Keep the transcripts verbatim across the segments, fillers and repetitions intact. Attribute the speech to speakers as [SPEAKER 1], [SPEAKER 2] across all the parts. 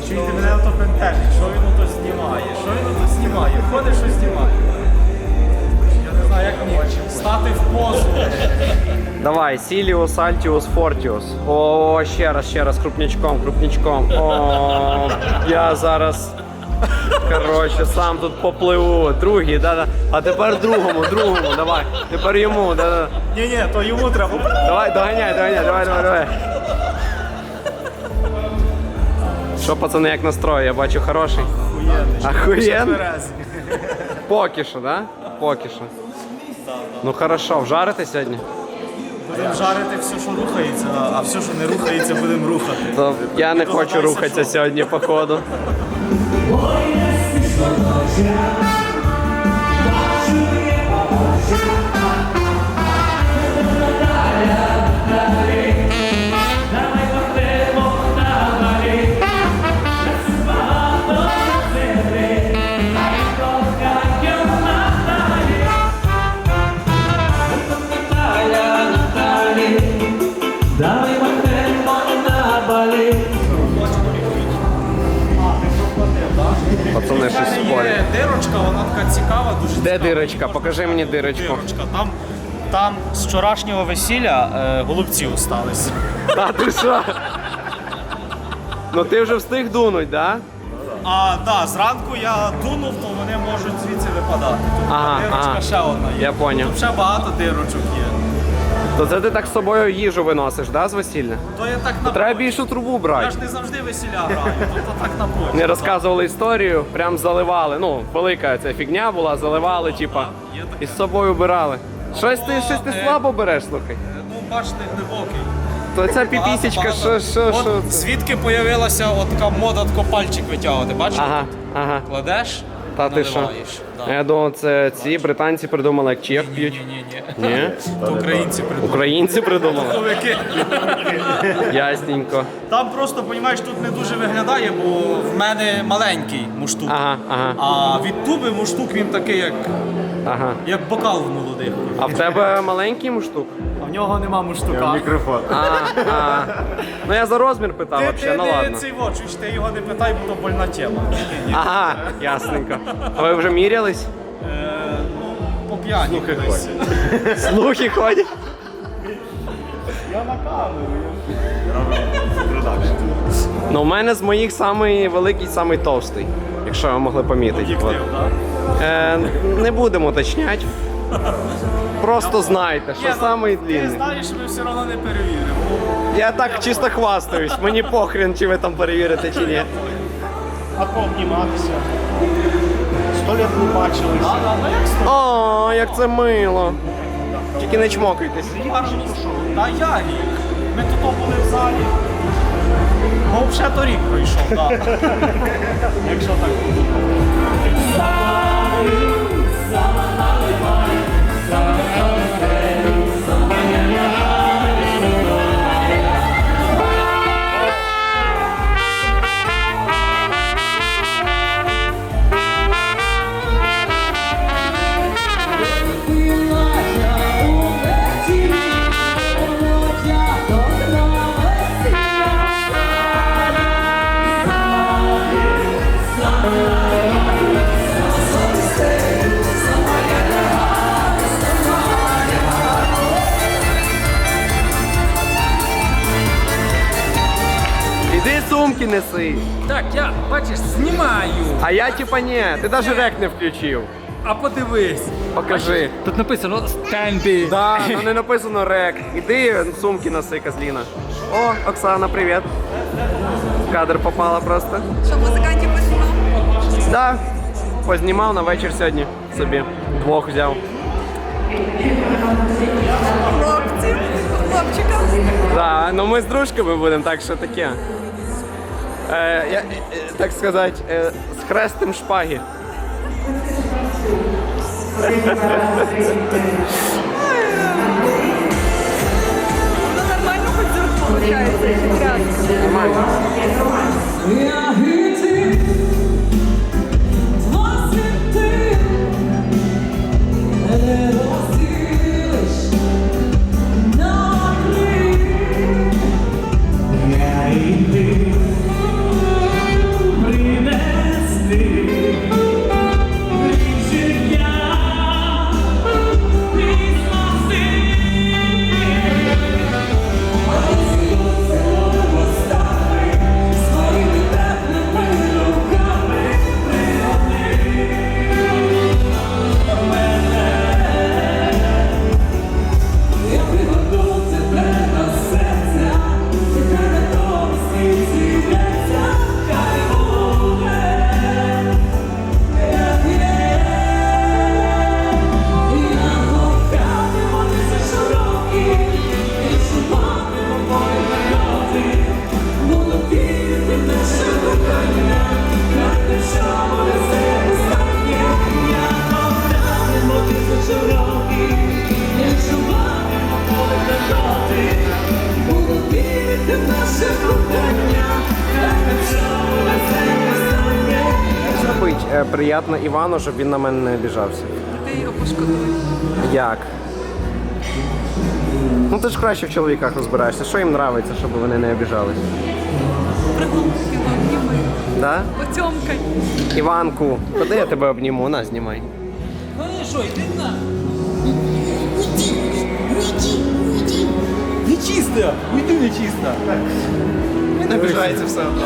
[SPEAKER 1] Чуєте, мене ото пентежить, що він ото знімає, що він ото знімає, ходить, що знімає. Я не знаю, як мені стати в позу.
[SPEAKER 2] Давай, Сіліус, Альтіус, Фортіус. О, ще раз, ще раз, крупнячком, крупнячком. О, я зараз, коротше, сам тут попливу. Другий, да-да. А тепер другому, другому, давай. Тепер йому, да-да.
[SPEAKER 1] Ні-ні, то йому треба.
[SPEAKER 2] Давай, доганяй, доганяй, давай, давай, давай. Що, пацани, як настрой? Я бачу, хороший. Охуєнний. Поки що, да? Поки що. Ну хорошо, вжарити сьогодні?
[SPEAKER 1] Будемо жарити все, що рухається, а все, що не рухається, будемо рухати.
[SPEAKER 2] То я не хочу рухатися сьогодні, походу. Пацани щось спорять.
[SPEAKER 1] Дирочка, вона така цікава, дуже
[SPEAKER 2] Де
[SPEAKER 1] цікава.
[SPEAKER 2] дирочка? Покажи мені дирочку.
[SPEAKER 1] Дирочка. Там, там з вчорашнього весілля е, голубці остались.
[SPEAKER 2] Та ти що? Ну ти вже встиг дунуть, да?
[SPEAKER 1] А, да, зранку я дунув, то вони можуть звідси випадати. Тут
[SPEAKER 2] Ага,
[SPEAKER 1] дирочка
[SPEAKER 2] ага.
[SPEAKER 1] ще одна є.
[SPEAKER 2] Я поняв.
[SPEAKER 1] Тут ще багато дирочок є.
[SPEAKER 2] То це ти так з собою їжу виносиш, да, з весілля?
[SPEAKER 1] То я так на
[SPEAKER 2] Треба
[SPEAKER 1] почві.
[SPEAKER 2] більшу трубу
[SPEAKER 1] Я
[SPEAKER 2] брати.
[SPEAKER 1] ж не завжди весіля граю, тобто так на почві.
[SPEAKER 2] Мені розказували історію, прям заливали. Ну, велика ця фігня була, заливали, типа,
[SPEAKER 1] Є таке.
[SPEAKER 2] і з собою брали. Щось ти, щось ти
[SPEAKER 1] е.
[SPEAKER 2] слабо береш, слухай.
[SPEAKER 1] Ну, бачите, глибокий.
[SPEAKER 2] То ця піпісічка, що, що,
[SPEAKER 1] От
[SPEAKER 2] що?
[SPEAKER 1] звідки появилася от така мода тако пальчик витягувати, бачиш?
[SPEAKER 2] Ага, ага.
[SPEAKER 1] Кладеш,
[SPEAKER 2] Та ти що?
[SPEAKER 1] наливаєш. Да.
[SPEAKER 2] Я думав, це ці британці придумали, як чек п'ють.
[SPEAKER 1] Ні-ні-ні.
[SPEAKER 2] Ні?
[SPEAKER 1] То українці придумали.
[SPEAKER 2] Українці придумали?
[SPEAKER 1] Чоловіки.
[SPEAKER 2] Ясненько.
[SPEAKER 1] Там просто, розумієш, тут не дуже виглядає, бо в мене маленький муштук.
[SPEAKER 2] Ага, ага,
[SPEAKER 1] А від туби муштук він такий, як,
[SPEAKER 2] ага.
[SPEAKER 1] як бокал в молодих.
[SPEAKER 2] А в тебе маленький муштук?
[SPEAKER 1] А в нього нема муштука. Мікрофон.
[SPEAKER 2] А, а. Ну я за розмір питав,
[SPEAKER 1] Ти,
[SPEAKER 2] вообще,
[SPEAKER 1] ти,
[SPEAKER 2] ну
[SPEAKER 1] ти
[SPEAKER 2] ладно.
[SPEAKER 1] цей вот, чуєш, ти його не питай, бо то больна тема.
[SPEAKER 2] Ага, ясненько. А ви вже мірялись?
[SPEAKER 1] Е, ну, по п'яні. колись.
[SPEAKER 2] Слухи ходять.
[SPEAKER 1] Я на камеру.
[SPEAKER 2] Ну, у мене з моїх самий великий, самий товстий, якщо ви могли помітити. От.
[SPEAKER 1] Об'єктив, так?
[SPEAKER 2] Е, не будемо уточняти. Просто знайте, що самий
[SPEAKER 1] Ти
[SPEAKER 2] длинний.
[SPEAKER 1] знаєш, ми все одно не перевіримо.
[SPEAKER 2] Я так чисто хвастаюсь, мені похрен, чи ви там перевірите, чи ні.
[SPEAKER 1] А пообніматися. Сто літ не бачилися. А, а, ну як сто?
[SPEAKER 2] О, як це мило. Тільки не чмокайтесь.
[SPEAKER 1] Гарно пішов. Та я рік. Ми тут були в залі. Ну, вже торік пройшов, так. Якщо так буде.
[SPEAKER 2] Іди сумки неси.
[SPEAKER 3] Так, я, бачиш, знімаю.
[SPEAKER 2] А я типа ні, ти навіть рек не включив.
[SPEAKER 3] А подивись.
[SPEAKER 2] Покажи.
[SPEAKER 3] Тут написано стенди.
[SPEAKER 2] Да, ну не написано рек. Іди сумки носи, козліна. О, Оксана, привіт. В кадр попала просто.
[SPEAKER 4] Що, музикантів познімав?
[SPEAKER 2] Да, познімав на вечір сьогодні собі. Двох взяв.
[SPEAKER 4] Хлопці, хлопчика.
[SPEAKER 2] Да, ну ми з дружками будемо, так що таке. Е, я, е, так сказати, е, з хрестем шпаги.
[SPEAKER 4] Ну нормально хоч звук виходить. Грязно.
[SPEAKER 2] Нормально. е, приємно Івану, щоб він на мене не обіжався.
[SPEAKER 4] Ти його пошкодуєш.
[SPEAKER 2] Як? Ну ти ж краще в чоловіках розбираєшся. Що їм подобається, щоб вони не обіжались?
[SPEAKER 4] Пригулки вам ніби.
[SPEAKER 2] Да?
[SPEAKER 4] Потьомкай.
[SPEAKER 2] Іванку, куди я тебе обніму? На, знімай.
[SPEAKER 3] Ну і що, йди на.
[SPEAKER 1] Нечисто! Уйди нечисто!
[SPEAKER 2] Не обіжається все одно.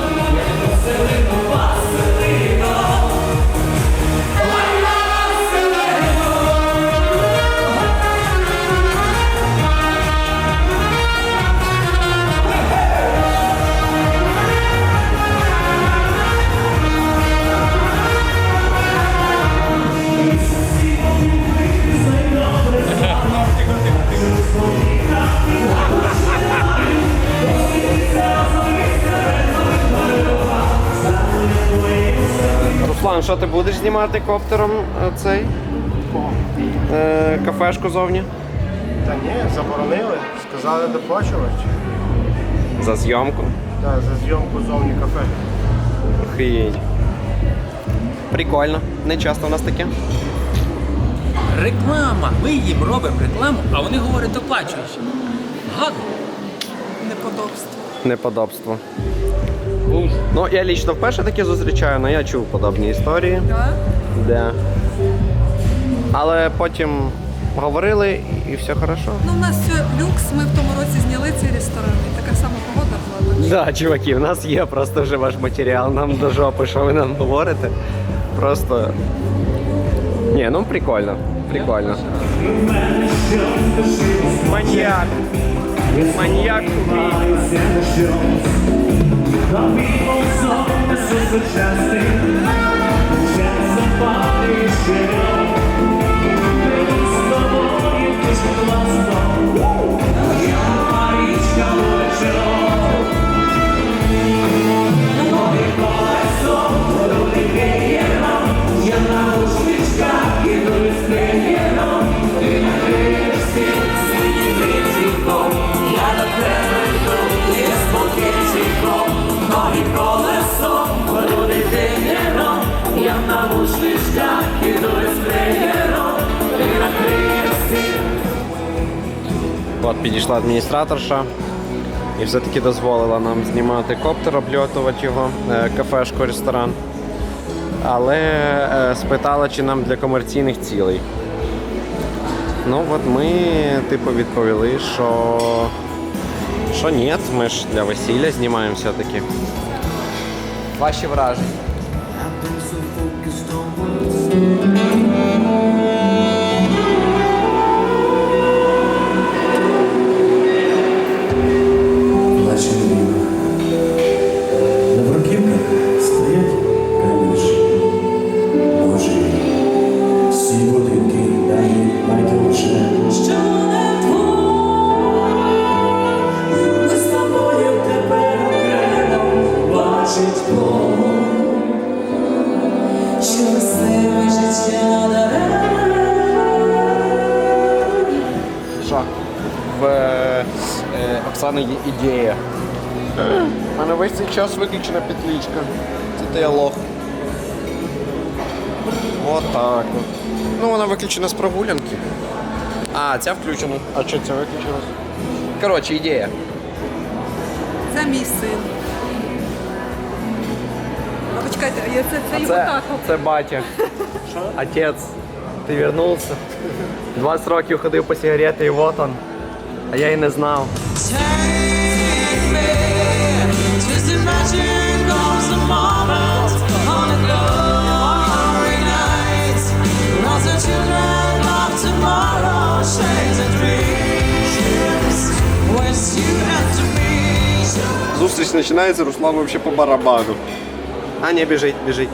[SPEAKER 2] Руслан, що ти будеш знімати коптером е, цей? Е, кафешку зовні?
[SPEAKER 5] Та ні, заборонили. Сказали доплачувати.
[SPEAKER 2] За зйомку?
[SPEAKER 5] Так, за зйомку зовні кафе.
[SPEAKER 2] Охуєть. Прикольно. Не часто у нас таке.
[SPEAKER 3] Реклама. Ми їм робимо рекламу, а вони говорять доплачуючи. Гадно.
[SPEAKER 4] Неподобство.
[SPEAKER 2] Неподобство. Ну, я лічно вперше таке зустрічаю, але я чув подобні історії.
[SPEAKER 4] Да?
[SPEAKER 2] Де. Але потім говорили і все хорошо.
[SPEAKER 4] Ну, у нас все люкс, ми в тому році зняли цей ресторан, і така сама погода була. так що-
[SPEAKER 2] Да, чуваки, у нас є просто вже ваш матеріал, нам до жопи, що ви нам говорите. Просто. Ні, ну прикольно. Прикольно. Маньяк. Маньяк убійця. От підійшла адміністраторша і все-таки дозволила нам знімати коптер, обльотувати його, е, кафешку, ресторан. Але е, спитала, чи нам для комерційних цілей. Ну от ми типу відповіли, що, що ні, ми ж для весілля знімаємо все-таки. Ваші враження?
[SPEAKER 6] Плаче доріг. На бруківках стоять каміші. Божі, всі будинки дають байдуже. Що не твоє, ми з тобою тепер окремо бачить Бог. Щасливе життя даремно.
[SPEAKER 2] Що? В е, Оксани є ідея. У мене весь цей час виключена петличка. Це ти лох. Отак от. Ну вона виключена з прогулянки. А, ця включена. А що ця виключилась? Коротше, ідея.
[SPEAKER 4] Це мій син. А почекайте, а я це, це його
[SPEAKER 2] Це,
[SPEAKER 4] тато.
[SPEAKER 2] це батя. Отець, ти вернувся. двадцять років ходив по сигарети і вот он. А я і не знав.
[SPEAKER 7] Just imagine comes a moment on a glory night. Lots of children of tomorrow share the dreams. When you have to be.
[SPEAKER 2] Зустріч починається, Руслан вообще по барабану. А, не, біжить, біжить.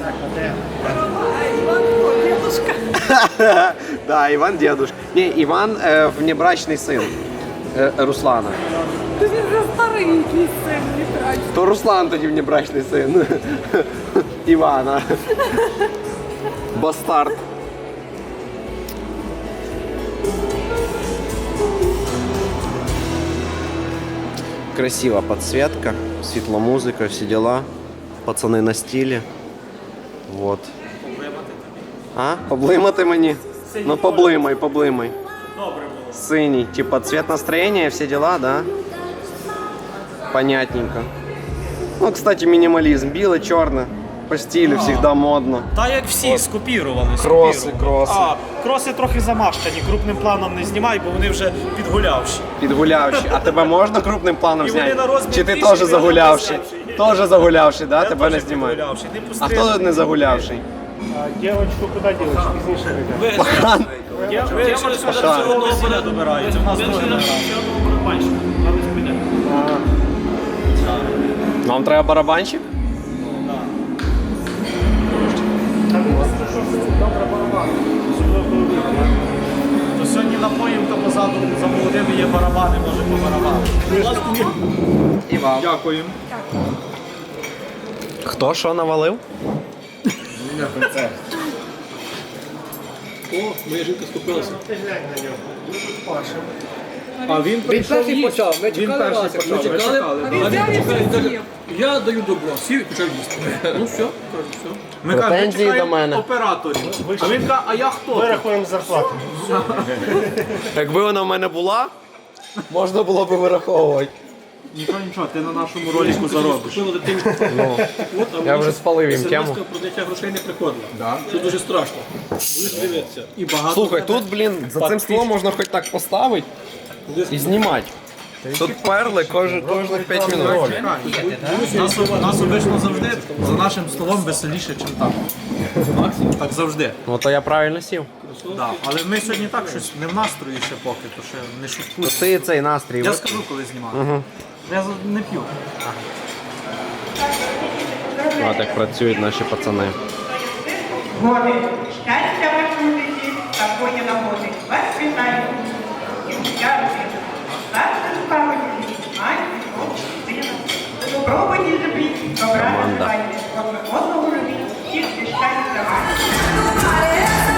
[SPEAKER 4] Дедушка.
[SPEAKER 2] Да, Іван дедушка. Ні, Іван е, внебрачний син е, Руслана.
[SPEAKER 4] Ти ж за старий якийсь син, не трать.
[SPEAKER 2] То Руслан тоді внебрачний син Івана. Бастард. Красива подсветка, светломузыка, все дела. Пацаны на стиле. Вот. А? Поблимати мені? Ну поблимай, поблимай.
[SPEAKER 1] Добре було.
[SPEAKER 2] Синий, типа цвет настроения, все дела, да? Понятненько. Ну, кстати, минимализм. Біле, чорне. По стилю всегда модно.
[SPEAKER 1] Та як всі, скопірували.
[SPEAKER 2] Кроси,
[SPEAKER 1] скопірували.
[SPEAKER 2] кроси.
[SPEAKER 1] А, кроси трохи замащені, крупним планом не знімай, бо вони вже підгулявші.
[SPEAKER 2] Підгулявши. А тебе можна крупним планом
[SPEAKER 1] І вони
[SPEAKER 2] зняти?
[SPEAKER 1] на розмір
[SPEAKER 2] Чи ти
[SPEAKER 1] більші,
[SPEAKER 2] теж
[SPEAKER 1] і
[SPEAKER 2] загулявший?
[SPEAKER 1] вони
[SPEAKER 2] Теж загулявший, да?
[SPEAKER 1] Я
[SPEAKER 2] Тебе не
[SPEAKER 1] теж
[SPEAKER 2] знімають.
[SPEAKER 1] підгулявший. Не
[SPEAKER 2] А
[SPEAKER 1] постриг.
[SPEAKER 2] хто тут не загулявший?
[SPEAKER 5] А дівчинку куди дівчинку? Пізніше вийде.
[SPEAKER 2] Пахан.
[SPEAKER 1] Дівчатка до червоного поля добирається, в нас друге не
[SPEAKER 2] Вам треба барабанщик?
[SPEAKER 1] То сьогодні напоїм, то позаду за молодими є барабани, може по барабану.
[SPEAKER 2] І вам.
[SPEAKER 1] Дякуємо.
[SPEAKER 2] Хто що навалив?
[SPEAKER 3] О, моя жінка скупилася.
[SPEAKER 1] А він прийшов почав. Ми чекали вас. Ми чекали.
[SPEAKER 4] А він взяв і все з'їв.
[SPEAKER 3] Я даю добро, сів і почав їсти. Ну все, кажу, все.
[SPEAKER 1] Ми кажемо, ми
[SPEAKER 2] Претензії до
[SPEAKER 1] чекаємо
[SPEAKER 2] мене.
[SPEAKER 1] операторів. А він каже, а я хто?
[SPEAKER 5] Ми рахуємо зарплату.
[SPEAKER 2] Якби вона в мене була, можна було б вираховувати.
[SPEAKER 1] Нічого, нічого, ти на нашому ролику заробиш.
[SPEAKER 3] Купила дитині. От, а
[SPEAKER 2] Я
[SPEAKER 3] мені
[SPEAKER 2] вже
[SPEAKER 3] ще
[SPEAKER 2] спалив їм тему.
[SPEAKER 3] смс-ка про дитя грошей не приходила. Що дуже страшно. Будеш дивитися.
[SPEAKER 1] І багато.
[SPEAKER 2] Слухай, тут, блін, за цим столом можна хоч так поставити і знімати. Тут перли кожен, кожних п'ять хвилин.
[SPEAKER 1] Нас, нас обично завжди за нашим столом веселіше, ніж там. Так завжди.
[SPEAKER 2] Ну то я правильно сів.
[SPEAKER 1] Да. Але ми сьогодні так щось не в настрої ще поки, то ще не
[SPEAKER 2] То
[SPEAKER 1] шуткую.
[SPEAKER 2] ти цей настрій.
[SPEAKER 1] Я
[SPEAKER 2] ви-
[SPEAKER 1] скажу, коли знімати. Я за- не п'ю.
[SPEAKER 2] От як працюють наші пацани.
[SPEAKER 8] Годы. Счастья вашему житті, такої нагоди. Вас вітаю. Я старшим пам'яті, мать, сина. Спробуйте любіть, добра називайте. Одне одного любіть, всіх щастя вам.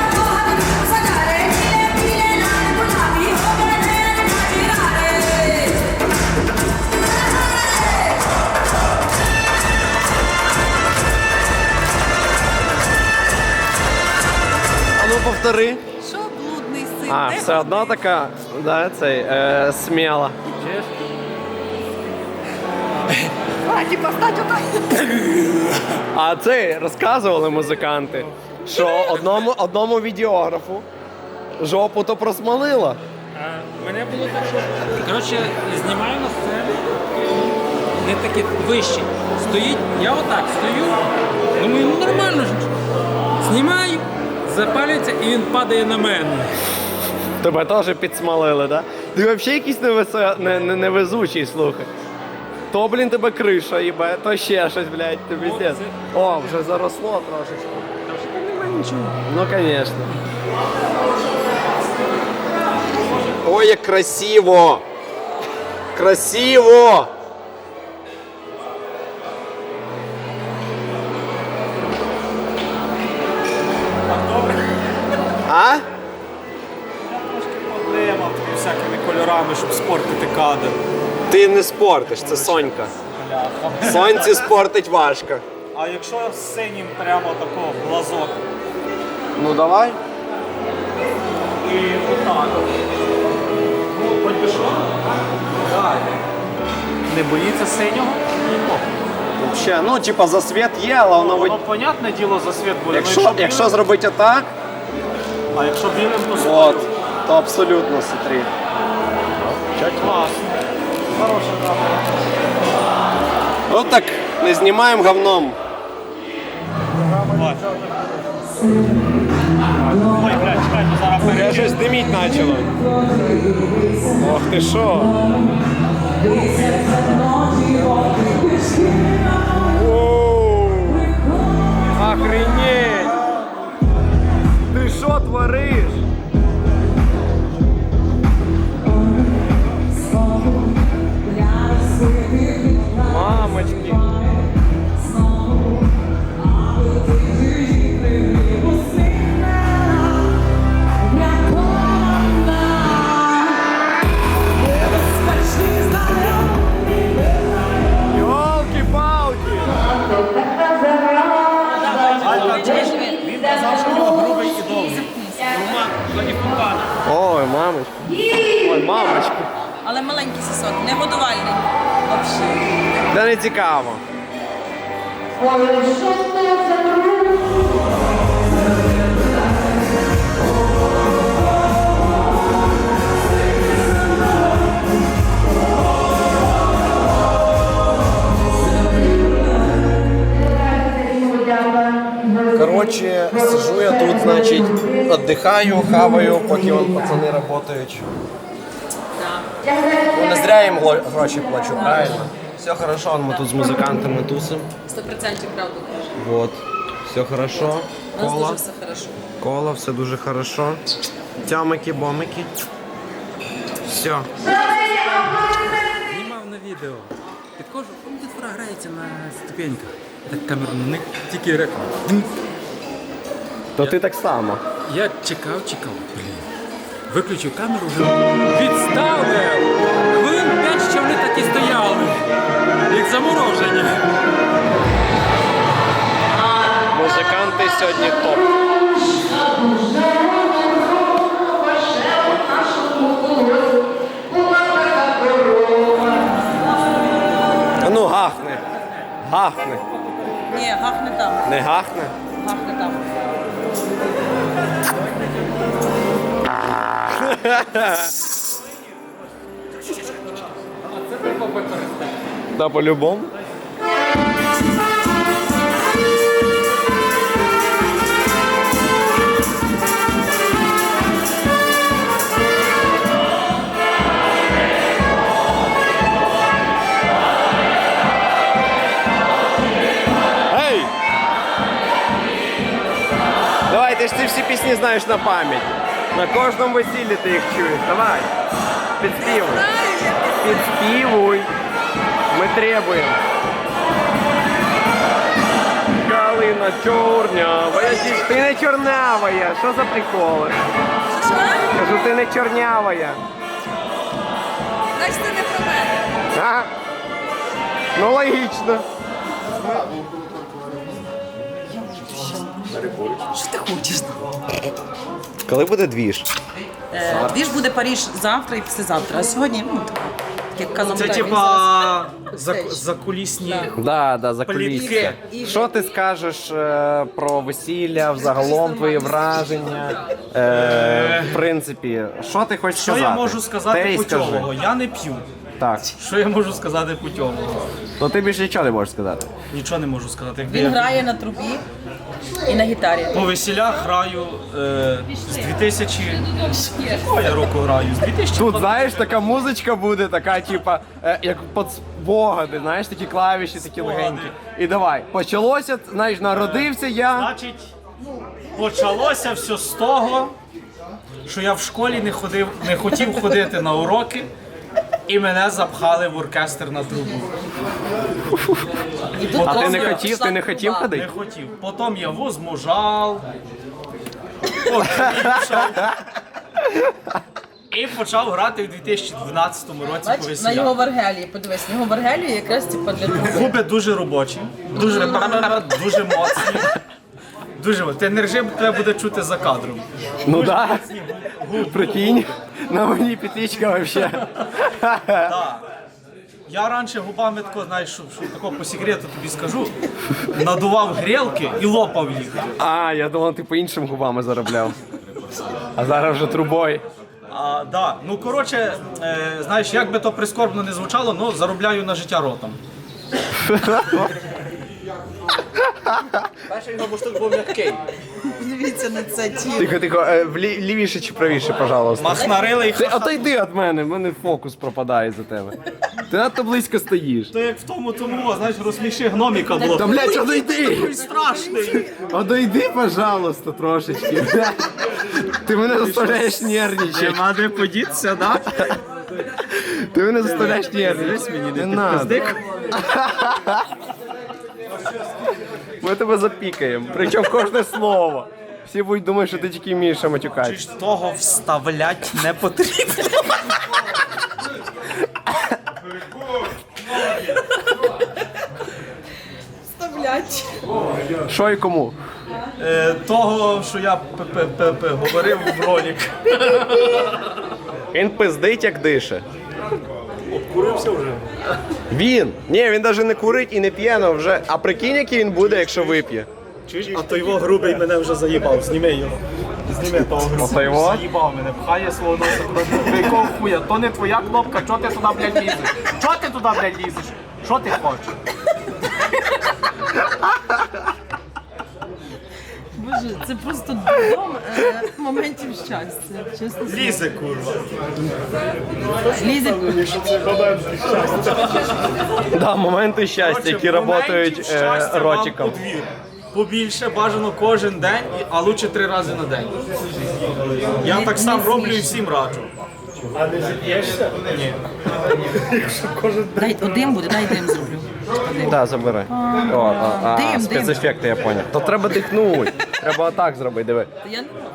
[SPEAKER 2] А ну повтори.
[SPEAKER 4] Що блудний син?
[SPEAKER 2] А,
[SPEAKER 4] Де
[SPEAKER 2] все одно така, да, цей, е, сміла.
[SPEAKER 4] хаті постать отак?
[SPEAKER 2] А це розказували музиканти, що одному, одному відеографу жопу то просмолила.
[SPEAKER 3] Мене було так, що... Коротше, знімаю на сцені, не такі вищі. Стоїть, я отак стою, думаю, ну нормально ж. Знімаю, запалюється і він падає на мене.
[SPEAKER 2] Тебе теж підсмалили, да? Ти взагалі якийсь невесе... не, не, невезучий, слухай. То, блін, тебе криша їбе, то ще щось, блядь, ти пиздец. О, вже заросло трошечки. Ну, звісно. Ой, як красиво! Красиво! А?
[SPEAKER 1] Проблема тобі всякими кольорами, щоб спортити кадр.
[SPEAKER 2] Ти не спортиш, це Сонька. Сонці спортить важко.
[SPEAKER 1] А якщо з синім прямо такого глазок
[SPEAKER 2] Ну давай.
[SPEAKER 1] і отак. Ну, хоч би що. Так. Не боїться синього?
[SPEAKER 2] Вообще, ну, типа, засвіт є, але воно
[SPEAKER 1] Воно,
[SPEAKER 2] ви-
[SPEAKER 1] понятне діло, за світ буде.
[SPEAKER 2] Якщо,
[SPEAKER 1] Ну,
[SPEAKER 2] якщо
[SPEAKER 1] білим-
[SPEAKER 2] зробити отак,
[SPEAKER 1] А якщо білим, то
[SPEAKER 2] от,
[SPEAKER 1] синім.
[SPEAKER 2] то абсолютно смотри.
[SPEAKER 1] Класно. Хороша камера.
[SPEAKER 2] От так не знімаємо говном.
[SPEAKER 1] Ой, блядь, чекай, ми зараз
[SPEAKER 2] Я
[SPEAKER 1] перейдемо.
[SPEAKER 2] щось диміть почало. Ох ти що. Воу. Охренеть. Ти що твориш? Мамочки. Ёлки-палки!
[SPEAKER 1] і фонтани.
[SPEAKER 2] Ой, мамочка. Ой, мамочка.
[SPEAKER 9] Але маленький сосок, не годувальний. Взагалі.
[SPEAKER 2] Да не цікаво. Короче, сижу я тут, значит, отдыхаю, хаваю, поки вон пацаны работают. Ну, не зря їм гло- гроші плачу, правильно? Все хорошо, мы тут з музикантами тусим.
[SPEAKER 9] Сто процентів правду кажеш.
[SPEAKER 2] Вот, все хорошо.
[SPEAKER 9] У нас
[SPEAKER 2] Кола,
[SPEAKER 9] дуже все хорошо.
[SPEAKER 2] кола, все дуже хорошо. Тямики, бомики. Все.
[SPEAKER 3] Знімав на відео. Підходжу, там дитина грається на ступеньках. Так камеру на них, тільки реклама.
[SPEAKER 2] То ти так само.
[SPEAKER 3] Я чекав, чекав, блін. Виключив камеру, вже відставив. Хвилин п'ять, що вони так і стояли. Як заморожені.
[SPEAKER 2] Музиканти сьогодні топ. А ну гахни. Гахни.
[SPEAKER 9] Ні, гах не там.
[SPEAKER 2] Не гахне?
[SPEAKER 9] Гах не там.
[SPEAKER 2] Да, по-любому. Ей! Давай, ти ж ці всі пісні знаєш на пам'ять. На кожному весіллі ти їх чуєш. Давай. Підспівуй. Підспівуй. Ми требуємо. Калина чорнявая. Ти не чорнявая. Що за приколи?
[SPEAKER 4] Що?
[SPEAKER 2] Кажу, ти не чорнявая.
[SPEAKER 4] Значить, ти не про мене.
[SPEAKER 2] А? Ну логічно.
[SPEAKER 9] Що ти хочеш?
[SPEAKER 2] Коли буде двіж?
[SPEAKER 9] Е, Двіж буде Паріж завтра і післязавтра. А сьогодні, ну, так, як казав,
[SPEAKER 1] Це
[SPEAKER 9] так, він
[SPEAKER 1] типа
[SPEAKER 9] зараз
[SPEAKER 1] за,
[SPEAKER 9] backstage.
[SPEAKER 1] закулісні.
[SPEAKER 2] Да, да, за
[SPEAKER 1] Плітки.
[SPEAKER 2] кулісся.
[SPEAKER 9] І-
[SPEAKER 2] Що ти скажеш е, про весілля, взагалом твої враження? Е, в принципі, що ти хочеш
[SPEAKER 1] Що
[SPEAKER 2] сказати?
[SPEAKER 1] я можу сказати
[SPEAKER 2] Ти й скажи.
[SPEAKER 1] путьового? Я не п'ю.
[SPEAKER 2] Так.
[SPEAKER 1] Що я можу сказати путьового?
[SPEAKER 2] Ну ти більше нічого не можеш сказати.
[SPEAKER 1] Нічого не можу сказати. Якби
[SPEAKER 9] Він
[SPEAKER 1] я
[SPEAKER 9] грає на трубі і на гітарі.
[SPEAKER 1] по весілях граю е, з дві тисячі... О, я року граю. З дві тисячі...
[SPEAKER 2] Тут, знаєш, така музичка буде, така, типа, е, як під спогади, знаєш, такі клавіші, такі легенькі. І давай, почалося, знаєш, народився я.
[SPEAKER 1] Значить, почалося все з того, що я в школі не ходив, не хотів ходити на уроки, і мене запхали в оркестр на трубу.
[SPEAKER 9] І тут
[SPEAKER 2] А ти
[SPEAKER 9] просто
[SPEAKER 2] не хотів,
[SPEAKER 9] пішла
[SPEAKER 2] ти не хотів
[SPEAKER 9] труба.
[SPEAKER 1] Не
[SPEAKER 2] ходити?
[SPEAKER 1] хотів. Потім я возмужав, окріпшав і почав грати в дві тисячі дванадцятому році по
[SPEAKER 9] Бач, на його
[SPEAKER 1] весілях.
[SPEAKER 9] Варгелії, подивись, на його Варгелії якраз типу для труби.
[SPEAKER 1] Губи дуже робочі, дуже, дуже моцні. Дуже моцні. Ти не режим, тебе буде чути за кадром.
[SPEAKER 2] Ну да. Прикинь, на мені петличка вообще.
[SPEAKER 1] Так. Я раніше губами тако, знаєш, що, що тако по секрету тобі скажу, надував грілки і лопав їх.
[SPEAKER 2] А, я думав, ти по іншим губами заробляв. А зараз вже трубою.
[SPEAKER 1] А, да. Ну, коротше, е, знаєш, як би то прискорбно не звучало, ну, заробляю на життя ротом.
[SPEAKER 2] Перший його буштук був м'який.
[SPEAKER 9] Подивіться на це тіло.
[SPEAKER 2] Тихо, тихо, е, влі- лівіше чи правіше, пожалуйста.
[SPEAKER 1] Махнарилий
[SPEAKER 2] Ти
[SPEAKER 1] ха-ха.
[SPEAKER 2] отойди від мене, в мене фокус пропадає за тебе. Ти надто близько стоїш.
[SPEAKER 1] То як в тому тому, знаєш, розсміши гноміка було.
[SPEAKER 2] Та, блядь, одойди!
[SPEAKER 1] Такий страшний.
[SPEAKER 2] Одойди, пожалуйста, трошечки. Ти мене заставляєш нервничати.
[SPEAKER 1] Нема де подітися, да?
[SPEAKER 2] Ти мене заставляєш нервничати. Не надо. Ми тебе запікаємо. Причому кожне слово. Всі будуть думати, що ти тільки вмієш
[SPEAKER 1] Чи
[SPEAKER 2] матюкати.
[SPEAKER 1] ж того вставлять не потрібно?
[SPEAKER 9] Вставлять.
[SPEAKER 2] Що і кому?
[SPEAKER 1] е, того, що я п- п- п- п- говорив в ролик.
[SPEAKER 2] Він пиздить, як дише.
[SPEAKER 1] Обкурився вже.
[SPEAKER 2] Він! Ні, він навіть не курить і не п'є, но вже. А прикинь, який він буде, якщо вип'є.
[SPEAKER 1] Чуєш? А той його грубий мене вже заїбав. Зніми його. Зніми того грубого.
[SPEAKER 2] Ото його?
[SPEAKER 1] Заїбав мене, пхає свого носа куди. Якого хуя? То не твоя кнопка, чого ти туди, блядь, лізеш? Чого ти туди, блядь, лізеш? Що ти хочеш?
[SPEAKER 9] Боже, це просто дом е, моментів щастя. Чесно.
[SPEAKER 1] Лізе, курва.
[SPEAKER 9] Лізе.
[SPEAKER 2] Да, моменти щастя, які працюють
[SPEAKER 1] Моментів щастя вам
[SPEAKER 2] ротиком.
[SPEAKER 1] у двір. Побільше бажано кожен день, а лучше три рази на день. Я так сам роблю і всім раджу.
[SPEAKER 5] А не зіп'єшся?
[SPEAKER 1] Ні.
[SPEAKER 9] Дай один буде, дай дим зроблю. Один.
[SPEAKER 2] Так, забирай. О, а, а,
[SPEAKER 9] Дим, дим.
[SPEAKER 2] спецефекти, я поняв. То треба дихнути. Треба отак зробити, диви.
[SPEAKER 9] Я не роблю.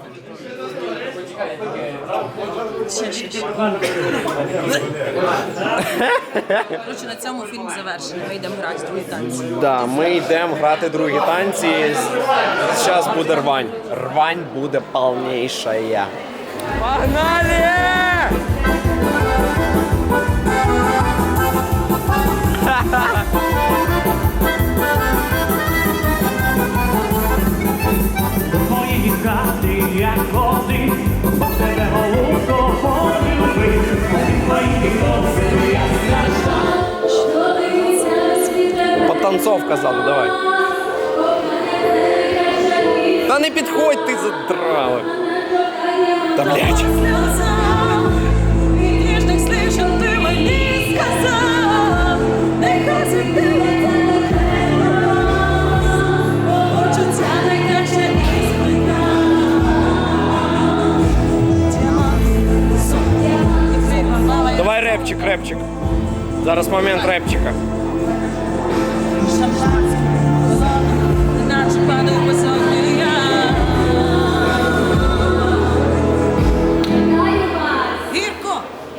[SPEAKER 9] Ще, ще, ще. Коротше, на цьому фільм завершений. Ми йдемо грати в другі танці.
[SPEAKER 2] Да, ми йдемо грати другі танці. Зараз буде рвань. Рвань буде повніша. Погнали!
[SPEAKER 5] Твої хати, як кози, бо тебе голубко полюбив. Твої кози, як
[SPEAKER 2] Потанцовка ззаду, давай. Та не підходь, ти задрали. Та блядь.
[SPEAKER 7] Ніжних слів, що ти мені сказав, нехай світила почуття найкраще і спина.
[SPEAKER 2] Давай репчик, репчик. Зараз момент репчика.
[SPEAKER 7] Наче падаю по собі я.
[SPEAKER 9] Гірко!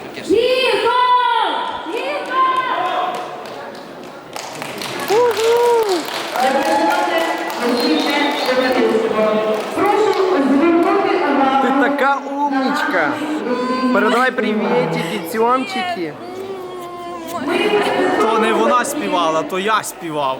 [SPEAKER 2] Ти така умничка. Передавай привітики, цьомчики.
[SPEAKER 1] То не вона співала, то я співав.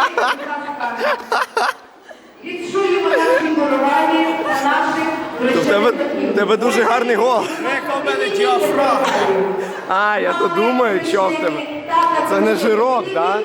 [SPEAKER 8] Відчуємо наші коровані на наших
[SPEAKER 2] В тебе, в тебе дуже гарний голос.
[SPEAKER 1] Яка в мене діафрагма.
[SPEAKER 2] А, я то думаю, що в тебе. Це не жирок, так? Да?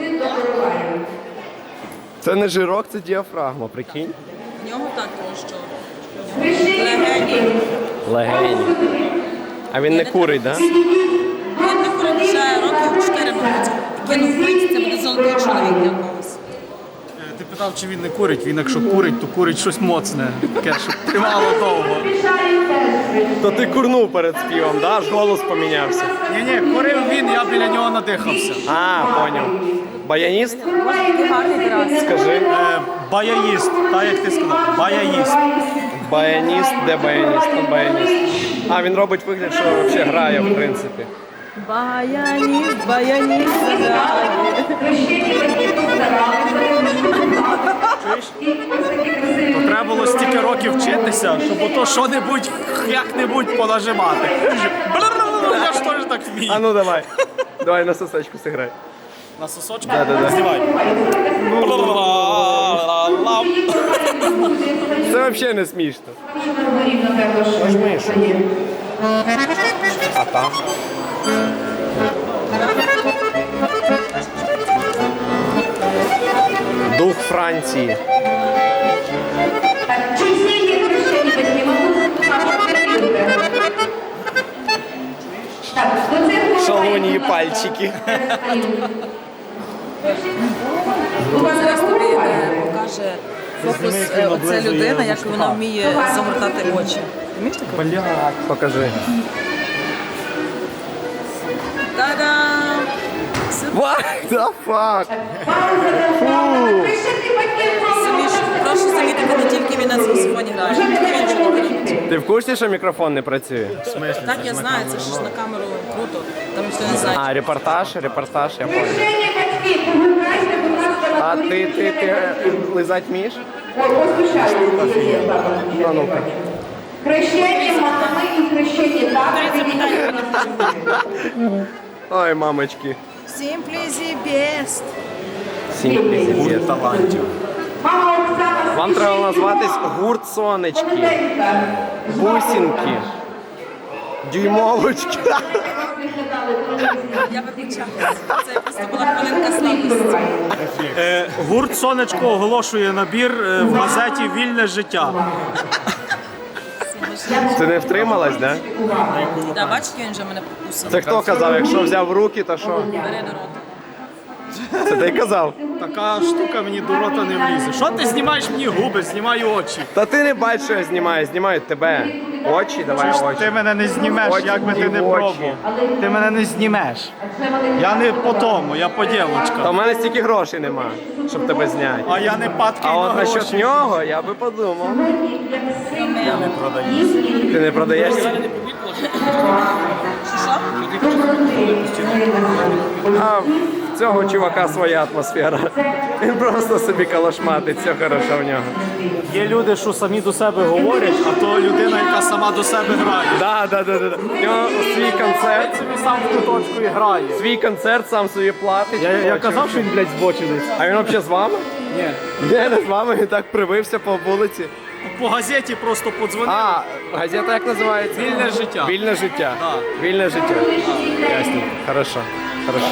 [SPEAKER 2] Це не жирок, це діафрагма, прикинь.
[SPEAKER 9] В нього так, тому що
[SPEAKER 8] легені.
[SPEAKER 2] Легень. А він не курить, так? Да?
[SPEAKER 9] він не курить вже років чотири, мабуть. Кинув пить, це буде золотий чоловік для когось.
[SPEAKER 1] Ти питав, чи він не курить. Він якщо курить, то курить щось моцне. Таке, щоб тривало довго.
[SPEAKER 2] То ти курнув перед співом, да? Аж голос помінявся.
[SPEAKER 1] Ні-ні, курив він, я біля нього надихався.
[SPEAKER 2] А, поняв. Баяніст?
[SPEAKER 9] Такий гарний раз.
[SPEAKER 2] Скажи.
[SPEAKER 1] Е, баяїст, так як ти сказав. Баяїст.
[SPEAKER 2] Баяніст, де баяніст? Там баяніст. А, він робить вигляд, що взагалі грає, в принципі.
[SPEAKER 9] Баяніст, баяніст, заграє.
[SPEAKER 1] То треба було стільки років вчитися, щоб ото що-небудь, як-небудь понажимати. Я ж теж так вмію.
[SPEAKER 2] А ну давай. Давай на сосочку сыграй.
[SPEAKER 1] На сосочку?
[SPEAKER 2] Да-да-да.
[SPEAKER 1] Знімай.
[SPEAKER 2] Це взагалі не смішно. А там? Дух Франції.
[SPEAKER 8] Чуть сильнее крещение не могу. Так, до цих
[SPEAKER 2] Шалуньї пальчики.
[SPEAKER 9] Зараз тобі е, покаже фокус е, оця людина, як вона вміє загортати очі. Вмієш таке?
[SPEAKER 2] Блядь, покажи.
[SPEAKER 9] Та-дам!
[SPEAKER 2] What the fuck?
[SPEAKER 9] Самі ж, прошу замітити, не тільки він на саксофоні грає, він нічого не робить.
[SPEAKER 2] Ти в курсі, що мікрофон не працює?
[SPEAKER 9] Так, я знаю, це ж на камеру круто, там ніхто не знає.
[SPEAKER 2] А, репортаж, репортаж, я понял. А ти, ти, ти е, лизать вмієш? Ну, ну-ка.
[SPEAKER 8] Хрещення мами і хрещення тата.
[SPEAKER 2] Ой, мамочки.
[SPEAKER 9] Simply the best.
[SPEAKER 2] Гурт талантів.
[SPEAKER 8] Мама Оксана.
[SPEAKER 2] Вам треба назватись гурт сонечки. Бусинки. Дюймовочки.
[SPEAKER 9] Я вибачаюся. Це просто була хвилинка слабкості.
[SPEAKER 1] Е, гурт Сонечко оголошує набір е, в газеті Вільне життя.
[SPEAKER 2] Ти не втрималась, да?
[SPEAKER 9] Да, бачите, він вже мене покусав.
[SPEAKER 2] Це хто казав, якщо взяв в руки, то що?
[SPEAKER 9] Бери до рота.
[SPEAKER 2] Це ти казав?
[SPEAKER 1] Така штука мені до рота не влізе. Що ти знімаєш мені губи, знімаю очі.
[SPEAKER 2] Та ти не бачиш, що я знімаю, знімаю тебе. Очі, давай очі.
[SPEAKER 1] Ти мене не знімеш,
[SPEAKER 2] Очі
[SPEAKER 1] як би ти
[SPEAKER 2] і
[SPEAKER 1] не
[SPEAKER 2] очі.
[SPEAKER 1] пробував. Ти мене не знімеш. Я не по тому, я по
[SPEAKER 2] Та
[SPEAKER 1] дівочкам.
[SPEAKER 2] в мене стільки грошей нема, щоб тебе зняти.
[SPEAKER 1] А я не падкий
[SPEAKER 2] А
[SPEAKER 1] на
[SPEAKER 2] от насчет
[SPEAKER 1] гроші.
[SPEAKER 2] нього я би подумав. Ти не продаєшся? А в цього чувака своя атмосфера. Він просто собі калашматить, все хорошо в нього.
[SPEAKER 1] Є люди, що самі до себе говорять, а то людина, яка сама до себе грає.
[SPEAKER 2] Да, да, да, да. да. В нього свій концерт,
[SPEAKER 1] Собі сам в куточку і грає.
[SPEAKER 2] свій концерт сам собі платить.
[SPEAKER 1] Я, я казав, що він, блядь, збочинець.
[SPEAKER 2] А він взагалі з вами?
[SPEAKER 1] Ні.
[SPEAKER 2] Ні, не з вами, він так привився по вулиці.
[SPEAKER 1] По газеті просто подзвонив.
[SPEAKER 2] А, газета як називається?
[SPEAKER 1] Вільне життя.
[SPEAKER 2] Вільне життя.
[SPEAKER 1] Да.
[SPEAKER 2] Вільне життя. Ясно. Хорошо. Хорошо.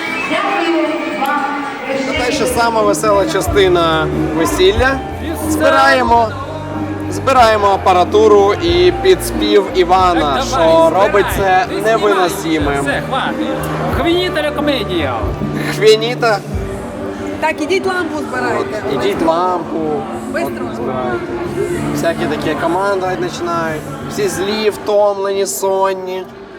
[SPEAKER 2] Це ще сама весела частина весілля. Збираємо. Збираємо апаратуру і під спів Івана, що робить це невиносимим.
[SPEAKER 3] Все, хватить. Хвінітеля комедія.
[SPEAKER 2] Хвініта,
[SPEAKER 4] Так, ідіть лампу збирайте.
[SPEAKER 2] ідіть лампу.
[SPEAKER 4] Бистро.
[SPEAKER 2] Збирають. Всякі такі командувати починають. Всі злі, втомлені, сонні.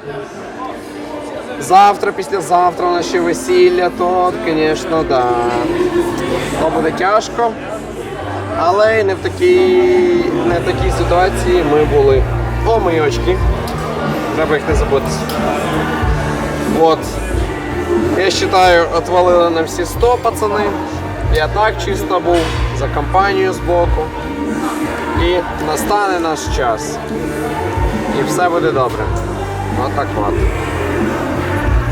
[SPEAKER 2] Завтра, післязавтра у нас ще весілля, то, звісно, да. То буде тяжко. Але й не в такій, не в такій ситуації ми були. О, мої очки. Треба їх не забути. От. Я вважаю, отвалили нам всі сто, пацани. Я так чисто був, за компанію збоку. І настане наш час. І все буде добре. Отак от.